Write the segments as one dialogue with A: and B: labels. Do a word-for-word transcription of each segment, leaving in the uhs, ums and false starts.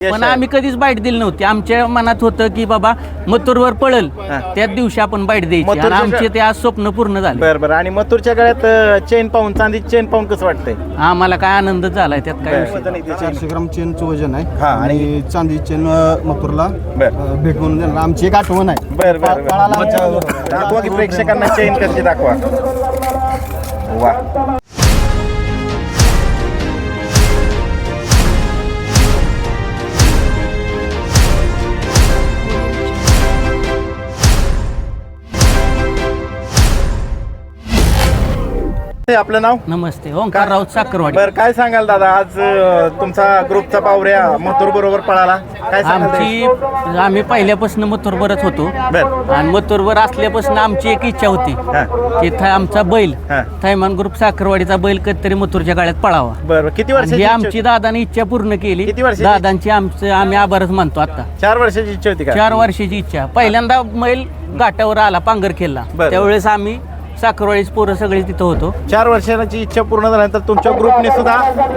A: पण आम्ही कधीच बाईट दिली नव्हती. आमच्या मनात होतं की बाबा मथुरवर पळल त्याच दिवशी आपण बाईट द्यायची आणि आमचे ते आज स्वप्न पूर्ण झाले.
B: बरं बरं. आणि मथुरच्या गळ्यात चेन पाहून, चांदी चेन पाहून कसं वाटतंय?
A: आम्हाला काय आनंद झालाय त्यात काय विषय.
C: चारशे ग्राम चेनचं वजन आहे.
B: हा,
C: आणि चांदी चेन मथुरला
B: बरं
C: भेट म्हणून देणार. आमची एक आठवण आहे.
B: बरं बरं बरं. दाखवा की प्रेक्षकांना चेन कशी दाखवा. वा. आपलं नाव?
A: नमस्ते, ओंकार राऊत साखरवाडी.
B: बरं, काय सांगाल दादा, आज अ, तुमचा ग्रुपचा पावऱ्या मथुर बरोबर पळाला, काय सांगाल?
A: आमची आम्ही पहिल्यापासून मथुरवरच होतो
B: बरं.
A: आणि मथुरवर असल्यापासून आमची एक इच्छा होती
B: हा.
A: की थ- आमचा बैल
B: हा.
A: थैमान ग्रुप साखरवाडीचा बैल कधीतरी मथुरच्या गाड्यात पळावा.
B: बरं, किती
A: आणि ही
B: वर्षाची
A: आमची
B: इच्छा
A: दादाने इच्छा पूर्ण केली.
B: किती वर्षाची?
A: दादांची आमचं आम्ही आभारच मानतो. आता
B: होती? चार वर्षाची इच्छा होती का?
A: चार वर्षाची इच्छा. पहिल्यांदा बैल घाटावर आला पांगरखेलला,
B: बरं.
A: त्यावेळेस आम्ही साखरवाडीच पोरं सगळे तिथं होतो.
B: चार वर्षाची इच्छा पूर्ण झाल्यानंतर तुमच्या ग्रुपने सुद्धा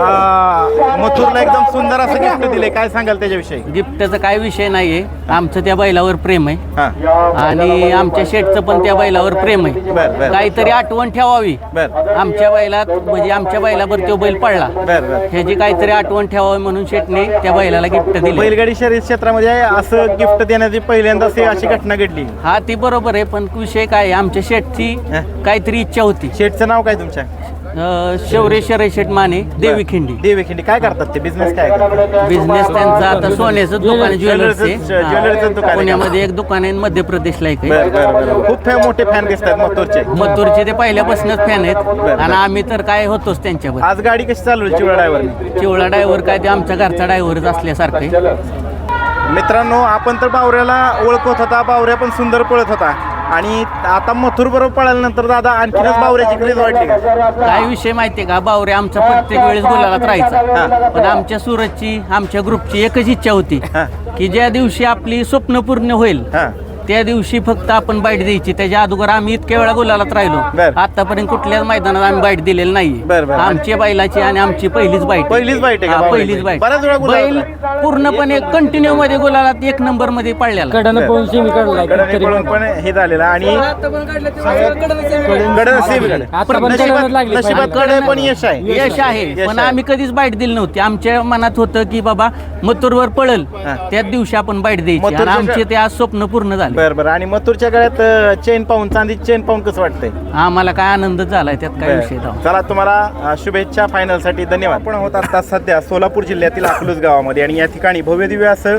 B: अ, मथुरला एकदम सुंदर असं गिफ्ट दिले, काय सांगाल त्याच्याविषयी?
A: गिफ्टचा काय विषय नाहीये, आमचं त्या बैलावर प्रेम आहे
B: हा.
A: आणि आमच्या शेठचं पण त्या बैलावर प्रेम आहे.
B: बरं, बरं.
A: काहीतरी आठवण ठेवावी
B: बरं
A: आमच्या बैलात, म्हणजे आमच्या बैलावर तो बैल पडला,
B: बरं बरं.
A: ह्याची काहीतरी आठवण ठेवावी म्हणून शेठने त्या बैलाला गिफ्ट दिली.
B: बैलगाडी शर्यत क्षेत्रामध्ये असं गिफ्ट देण्याची पहिल्यांदाच ही अशी घटना घडली.
A: हा, ती बरोबर आहे, पण विषय काय आहे, आमच्या शेठची
B: हा.
A: काहीतरी इच्छा होती.
B: शेठचं नाव काय तुमच्या?
A: अं, शौर्य शरय शेठ माने, देवी खिंडी.
B: देवी खिंडी. काय करतात ते, बिझनेस काय करतात?
A: बिझनेस त्यांचा आता सोन्याचं दुकान आहे, ज्वेलर्सचे.
B: ज्वेलर्सचं- ज्वेलर्सचं दुकान आहे.
A: पुण्यामध्ये एक दुकान आहे, मध्य प्रदेशला एक आहे.
B: बरं बरं बरं. खूप फॅ- मोठे फॅन दिसतात मथुरचे.
A: मथुरचे ते पहिल्यापासूनच फॅन आहेत आणि आम्ही तर काय होतोच त्यांच्यावर.
B: आज गाडी कशी चालवली चिवळा ड्रायव्हरने?
A: चिवळा ड्रायव्हर काय ते आमचा घरचा ड्रायव्हरच असल्यासारखं आहे.
B: मित्रांनो, आपण तर बावऱ्याला ओळखत होता, बावऱ्या पण सुंदर पळत होता आणि आता मथुर बरोबर पळाल्यानंतर दादा आणखीनच बावऱ्याची क्रेज वाढली का?
A: काय विषय माहितीये का, बावरे आमचा प्रत्येक वेळेस गुलालात राहायचा, पण आमच्या सुरतची आमच्या ग्रुपची एकच इच्छा होती
B: हा.
A: की ज्या दिवशी आपली स्वप्न पूर्ण होईल
B: हा.
A: त्या दिवशी फक्त आपण बाईट द्यायची. त्याच्या अगोदर आम्ही इतक्या वेळा गुलालात राहिलो,
B: बरं.
A: आतापर्यंत कुठल्याच मैदानात आम्ही बाईट दिलेली नाही.
B: बरं, बरं.
A: आमच्या बैलाची आणि आमची पहिलीच बाईट.
B: पहिलीच बाईट आहे का
A: हा,
B: बावऱ्याची?
A: पहिलीच बाईट.
B: बऱ्याच वेळा गुलालात
A: बैल पूर्णपणे कंटिन्यू मध्ये गुलालात एक नंबर मध्ये पडलेला.
D: कडनं पळून सेमी काढलाय.
B: गडाने पळून पण हे झालेलं आणि गड नशिबात
D: आता पण कडनं लागली.
B: नशिबात कडे पण यश आहे.
A: यश आहे,
B: यश
A: पण
B: आहे.
A: आम्ही कधीच बाईट दिली नव्हती. आमच्या मनात होतं की बाबा मथुरवर पळल त्याच दिवशी आपण बाईट द्यायची आणि
B: मथुरच्या-
A: आमचे ते आज स्वप्न पूर्ण झाले.
B: बरं बरं. आणि मथुरच्या गळ्यात चेन पाहून, चांदी चेन पाहून कसं वाटतंय?
A: आम्हाला काय आनंद झालाय त्यात काय विषय
B: बरं.
A: नव्हता.
B: चला, तुम्हाला अ, शुभेच्छा फायनल साठी. धन्यवाद. आपण होत आता सध्या सोलापूर जिल्ह्यातील अकलूज गावामध्ये आणि या ठिकाणी भव्य दिव्य असं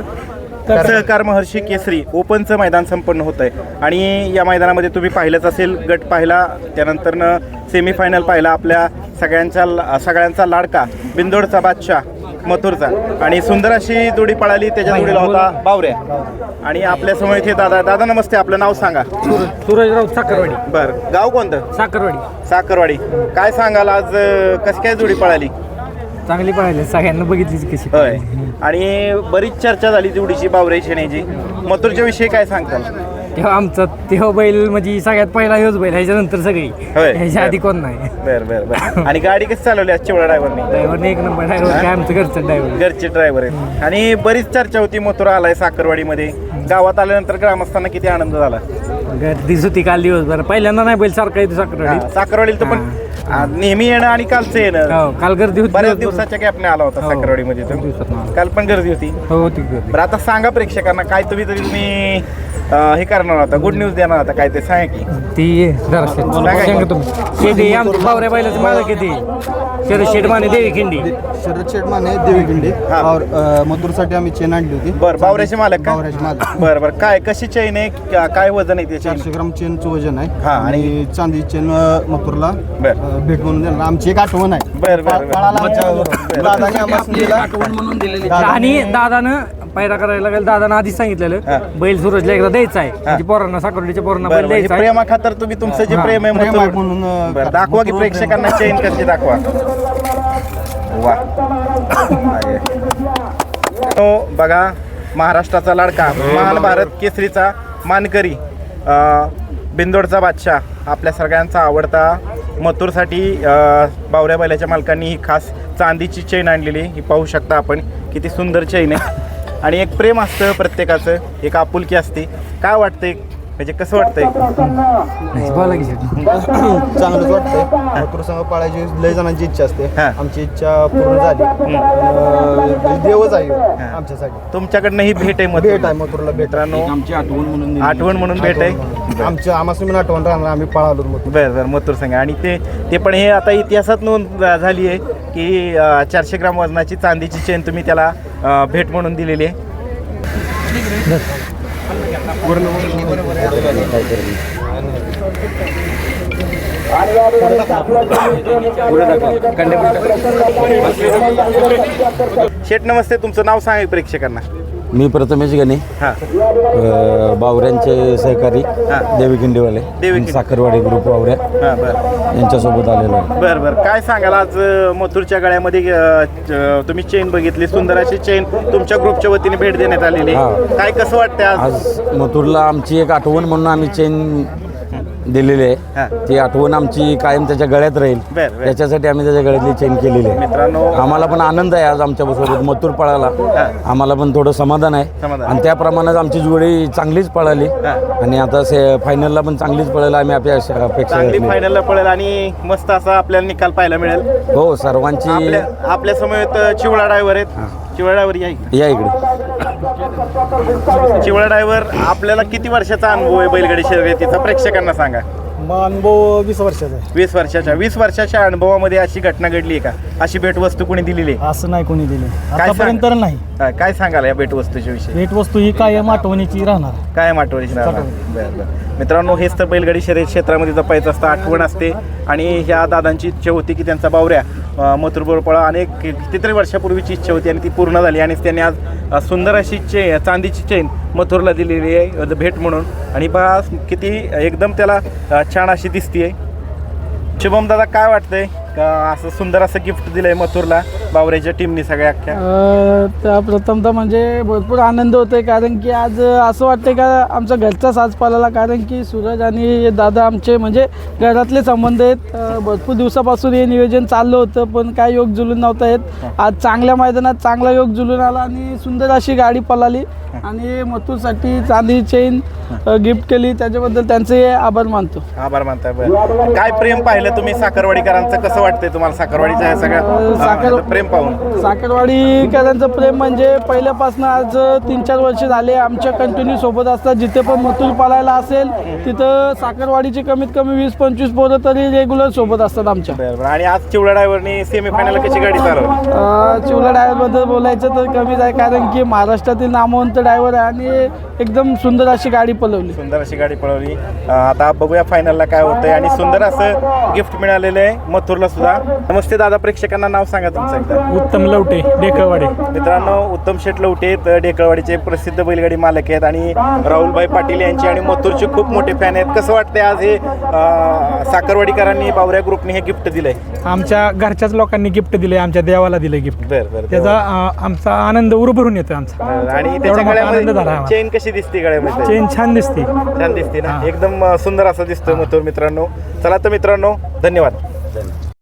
B: सहकार महर्षी केसरी ओपनचं मैदान संपन्न होत आहे आणि या मैदानामध्ये तुम्ही पाहिलंच असेल, गट पाहिला, त्यानंतरनं सेमीफायनल पाहिला. आपल्या सगळ्यांचा सगळ्यांचा लाडका बिंदोडचा बादशाह मथुरचा आणि सुंदर अशी जोडी पळाली. त्याच्या जोडीला होता बावऱ्या आणि आपल्या समोर इथे दादा. दादा नमस्ते, आपलं नाव सांगा.
D: सूरज राऊत साखरवाडी.
B: बरं, गाव कोणतं?
D: साखरवाडी.
B: साखरवाडी. काय सांगाल आज अ, कशी काय जोडी पळाली?
D: चांगली पाहिजे, सगळ्यांना बघितलीच कशी.
B: होय. आणि बरीच चर्चा झाली जोडीची, बावरे शेण्याची. मथुरच्या विषयी काय सांगताल?
D: तेव्हा आमचा तेव्हा बैल म्हणजे सगळ्यात पहिला ह्योच बैल, ह्याच्यानंतर सगळी,
B: होय.
D: ह्याच्या आधी कोण नाही.
B: बरं बरं बरं. आणि गाडी कशी चालवली आज चिवळा ड्रायव्हरने?
D: ड्रायव्हरने एक नंबर ड्रायव्हर काय आमचं घरचं ड्रायव्हर.
B: घरचे ड्रायव्हर आहेत आणि बरीच चर्चा होती. मथुर आलाय साखरवाडीमध्ये. गावात आल्यानंतर ग्रामस्थांना किती आनंद झाला?
D: गर्दीच होती काल दिवसभर. पहिल्यांदा नाही बैल सारखा येतो साखरवाडी.
B: साखरवाडीला तर पण आ, नेहमी येणं आणि कालचं येणं.
D: हो, काल गर्दी होती.
B: बऱ्याच
D: दिवसभर.
B: दिवसाच्या गॅपने आला होता
D: हो.
B: साखरवाडीमध्ये
D: दोन दिवसातनं
B: तो.
D: आला.
B: काल पण गर्दी होती.
D: हो, होती गर्दी.
B: बरं, आता सांगा प्रेक्षकांना काय तुम्ही तरी तुम्ही अ, हे करणार होता, गुड न्यूज देणार होता, काय ते सांगा की.
D: ती जरा शेत
B: काय?
D: सांगा तुम्ही. शेती आमची बावऱ्या बैलाची मालक किती शरद शेठ माने, देवी खिंडी.
C: शरद शेठ माने, देवी खिंडी.
B: हा.
C: और मथुरसाठी आम्ही चेन आणली होती.
B: बरं, बावऱ्याचे मालक का?
C: बावऱ्याचे मालक.
B: बरं बरं. काय कशी चैन आहे, क्या- काय वजन आहे त्याची?
C: चारशे ग्राम चेनचं वजन आहे.
B: हा, आणि-
C: आणि चांदी चेन मथुरला
B: बरं
C: भेट म्हणून देणार. आमची एक आठवण आहे.
B: बरं बरं बरं.
C: पळाला आमच्या दादाने आम्हाला दिला.
D: आणि दादानं पायरा करायला लागेल. दादानं आधीच
B: हा.
D: सांगितलेलं बैल सूरजला एकदा द्यायचा आहे, म्हणजे पोरांना साखरवाडीच्या पोरांना
B: बरं
D: बैल
B: बरं. हे
D: द्यायचा आहे.
B: प्रेमा खातर तुम्ही तुमचं जे
D: हा,
B: प्रेम आहे
C: प्रेम आहे
B: मथुर-
C: म्हणून, अं,
B: बरं, दाखवा की
C: मथुरवर
B: प्रेक्षकांना चेन कशी दाखवा. वा. आहे. तो बघा, महाराष्ट्राचा लाडका, महान भारत केसरीचा मानकरी, अं, बिंदोडचा बादशाह, आपल्या सगळ्यांचा आवडता मथुरसाठी अं, बावऱ्या बैलाच्या मालकांनी ही खास चांदीची चेन आणलेली. ही पाहू शकता आपण, किती सुंदर चेन आहे. आणि एक प्रेम असतं प्रत्येकाचं, एक आपुलकी असते. काय वाटतंय म्हणजे कसं वाटतंय?
C: चांगलंच वाटतंय. मथुर संघ पाळायची लय जणांची इच्छा असते.
B: हा.
C: आमची इच्छा पूर्ण झाली. अं, देवच आहे आमच्यासाठी.
B: तुमच्याकडनं ही भेट आहे मथुर.
C: भेट आहे मथुरला भेट.
B: मित्रांनो
D: आमची आठवण म्हणून
B: आठवण म्हणून भेट आहे.
C: आमच्या आम्हाला पण आठवण राहणार. आम्ही पळालो मथुर.
B: बरं बरं मथुर संघ. आणि ते ते पण हे आता इतिहासात नोंद झाली आहे की अं, चारशे ग्राम वजनाची चांदीची चेन तुम्ही त्याला अं, भेट म्हणून दिलेली आहे. शेठ नमस्ते, तुमचं नाव सांगा प्रेक्षकांना.
E: मी प्रथमेश गणे,
B: हां
E: अ, बावऱ्यांचे सहकारी देवी खिंडीवाले
B: देवी खिंडी.
E: साखरवाडी ग्रुप बावऱ्या
B: हां बरं
E: यांच्यासोबत आलेलो आहे.
B: बरं बरं काय सांगाल आज अं, मथुरच्या गळ्यामध्ये अं, च- तुम्ही चेन बघितली, सुंदर अशी चेन तुमच्या ग्रुपच्या वतीने भेट देण्यात आलेली आहे.
E: हां.
B: काय कसं वाटतंय आज?
E: आज मथुरला आमची एक आठवण म्हणून आम्ही चेन दिलेली
B: हां.
E: आहे. ती आठवण आमची कायम त्याच्या गळ्यात राहील,
B: बरं, बरं.
E: त्याच्यासाठी आम्ही त्याच्या गळ्यातली चेन केलेली आहे.
B: मित्रांनो
E: आम्हाला पण आनंद आहे आज आमच्यासोबत मथुर पळाला. आम्हाला पण थोडं समाधान आहे
B: समाधान.
E: आणि त्याप्रमाणेच आमची जोडी चांगलीच पळाली
B: हां.
E: आणि आता से फायनलला पण चांगलीच पळायला आम्ही अपेक्षा अपेक्षा
B: चांगली
E: धरली.
B: फायनलला पळेल आणि मस्त असा आपल्याला निकाल पाहायला मिळेल.
E: हो सर्वांची
B: आपल्या आपल्या समोर चिवळा ड्रायव्हर आहेत. चिवळा ड्रायव्हर या इकडे.
E: या इकडे.
B: चिवळा ड्रायव्हर आपल्याला किती वर्षाचा अनुभव आहे बैलगाडी शर्यतीचा प्रेक्षकांना सांगा.
C: अनुभव वीस वर्षाचा आहे.
B: वीस वर्षाच्या वीस वर्षाच्या अनुभवामध्ये अशी घटना घडली आहे का? अशी भेटवस्तू कोणी दिलेली आहे?
C: असं नाही कोणी दिले
B: काय
C: आतापर्यंत तर नाही.
B: हा, काय सांगाल या भेटवस्तूच्या विषयी?
C: भेटवस्तू ही कायम आठवणीची राहणार.
B: काय आठवणीची राहणार? बरं बरं मित्रांनो, हेच तर बैलगाडी शर्यत क्षेत्रामध्ये जपायचं असतं, आठवण असते. आणि ह्या दादांची इच्छा होती की त्यांचा बावऱ्या अं, मथुरबरोबर पळा. अनेक कितीतरी वर्षापूर्वीची इच्छा होती आणि ती पूर्ण झाली आणि त्यांनी आज अं, सुंदर अशी चे चांदीची चेन मथुरला दिलेली आहे अं, भेट म्हणून. आणि बा किती एकदम त्याला अं, छान अशी दिसतीये. शुभम दादा काय वाटतंय का असं सुंदर असं गिफ्ट दिलंय मथुरला बावऱ्याच्या टीमनी सगळ्या अख्ख्या?
F: अ, त्या प्रथमतः म्हणजे भरपूर आनंद होतोय कारण की आज असं वाटतंय का आमचा घरचा साज पाळाला. कारण की सूरज आणि दादा आमचे म्हणजे घरातले संबंध आहेत. अ, भरपूर दिवसापासून हे नियोजन चाललं होतं पण काय योग जुलून नव्हता येत. आज चांगल्या मैदानात चांगला योग जुलून आला आणि सुंदर अशी गाडी पळाली आणि मथुरसाठी चांदी चेन गिफ्ट केली. त्याच्याबद्दल त्यांचे आभार मानतो.
B: आभार मानताय. बरं काय प्रेम पाहिलं तुम्ही साखरवाडीकरांचं? कसं वाटतंय तुम्हाला साखरवाडीचं हे सगळं
F: साखर-
B: अं, प्रेम पाहून?
F: साखरवाडीकरांचं प्रेम म्हणजे पहिल्यापासून आज तीन चार वर्ष झाले आमच्या कंटिन्यू सोबत असतात. जिथे पण मथुर पाळायला असेल तिथं साखरवाडीची कमीत कमी वीस पंचवीस पोरं तरी रेग्युलर सोबत असतात आमच्या.
B: बरं बरं. आणि आज चिवडा ड्रायव्हरनी सेमीफायनल कशी गाडी चालवली?
F: अ, चिवला ड्रायव्हरबद्दल बोलायचं तर कमीच आहे कारण की महाराष्ट्रातील नामवंत ड्रायव्हर आहे आणि एकदम सुंदर अशी गाडी पळवली.
B: सुंदर अशी गाडी पळवली. अं, आता बघूया फायनलला काय होतंय. आणि सुंदर असं गिफ्ट मिळालेलं आहे मथुरला सुद्धा. नमस्ते दादा, प्रेक्षकांना नाव सांगा तुमचं एकदा.
D: उत्तम लवटे डेकळवाडे.
B: मित्रांनो, उत्तम शेठ लवटे आहेत, डेकळवाडीचे प्रसिद्ध बैलगाडी मालक आहेत आणि राहुलभाई पाटील यांचे आणि मथुरचे खूप मोठे फॅन आहेत. कसं वाटतंय आज हे अं, साखरवाडीकरांनी बावऱ्या ग्रुपने हे गिफ्ट दिलंय?
G: आमच्या घरच्याच लोकांनी गिफ्ट दिले, आमच्या देवाला दिलं गिफ्ट.
B: बरं बरं.
G: त्याचा अं, आमचा आनंद उरभरून येतो आमचा.
B: बरं. आणि
G: तेवढा
B: त्याच्या
G: मोठा आनंद झाला
B: गळ्यामध्ये
G: आम्हाला.
B: चेन कशी दिसते गळ्यामध्ये?
G: चेन छान दिसते.
B: छान दिसते ना, एकदम अं, सुंदर असं दिसतोय मथुर. मित्रांनो चला तर मित्रांनो, धन्यवाद.